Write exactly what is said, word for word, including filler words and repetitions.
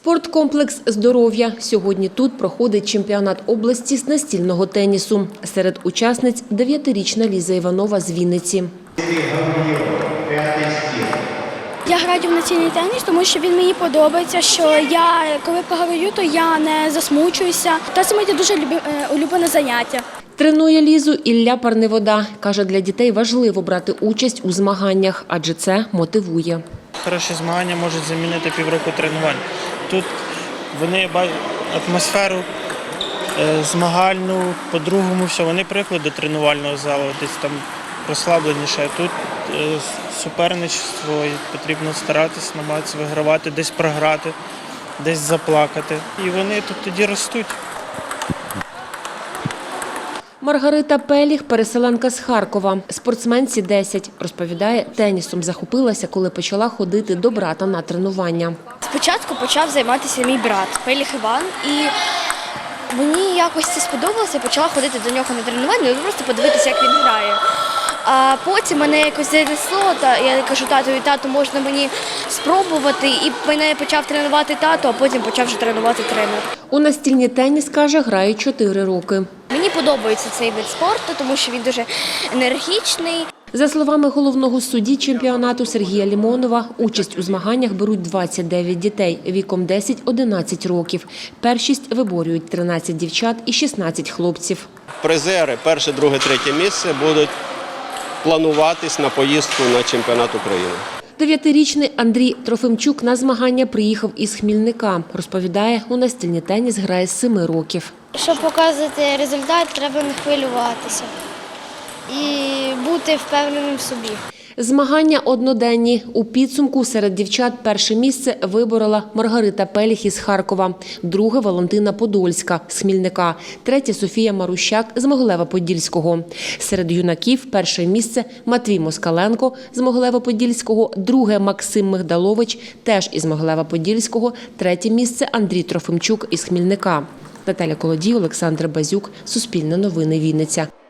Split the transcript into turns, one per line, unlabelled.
Спорткомплекс «Здоров'я». Сьогодні тут проходить чемпіонат області з настільного тенісу. Серед учасниць дев'ятирічна Ліза Іванова з Вінниці.
Я граю в настільний теніс, тому що він мені подобається, що я, коли програю, то я не засмучуюся. Та це моє дуже улюблене заняття.
Тренує Лізу Ілля Парневода. Каже, для дітей важливо брати участь у змаганнях, адже це мотивує.
Хороші змагання можуть замінити півроку тренувань. Тут вони бачать атмосферу змагальну, по-другому все. Вони приїхали до тренувального залу, десь там розслабленіше. Тут суперництво, і потрібно старатися, намагатися вигравати, десь програти, десь заплакати. І вони тут тоді ростуть.
Маргарита Пеліх – переселенка з Харкова. Спортсменці десять. Розповідає, тенісом захопилася, коли почала ходити до брата на тренування.
Спочатку почав займатися мій брат Пеліх Іван. І мені якось це сподобалося, я почала ходити до нього на тренування, просто подивитися, як він грає. А потім мене якось занесло, та я кажу татові, тату, можна мені спробувати. І мене почав тренувати тато, а потім почав вже тренувати тренер.
У настільний теніс, каже, грає чотири роки.
Мені подобається цей вид спорту, тому що він дуже енергічний.
За словами головного судді чемпіонату Сергія Лімонова, участь у змаганнях беруть двадцять дев'ять дітей віком десять-одинадцять років. Першість виборюють тринадцять дівчат і шістнадцять хлопців.
Призери перше, друге, третє місце будуть плануватись на поїздку на чемпіонат України.
Дев'ятирічний Андрій Трофимчук на змагання приїхав із Хмільника. Розповідає, у настільний теніс грає з семи років.
Щоб показувати результат, треба не хвилюватися і бути впевненим в собі.
Змагання одноденні. У підсумку серед дівчат перше місце виборола Маргарита Пеліх із Харкова, друге – Валентина Подольська з Хмільника, третє – Софія Марущак з Могилева-Подільського. Серед юнаків перше місце – Матвій Москаленко з Могилева-Подільського, друге – Максим Мигдалович теж із Могилева-Подільського, третє місце – Андрій Трофимчук із Хмільника. Наталя Колодій, Олександр Базюк, Суспільне новини, Вінниця.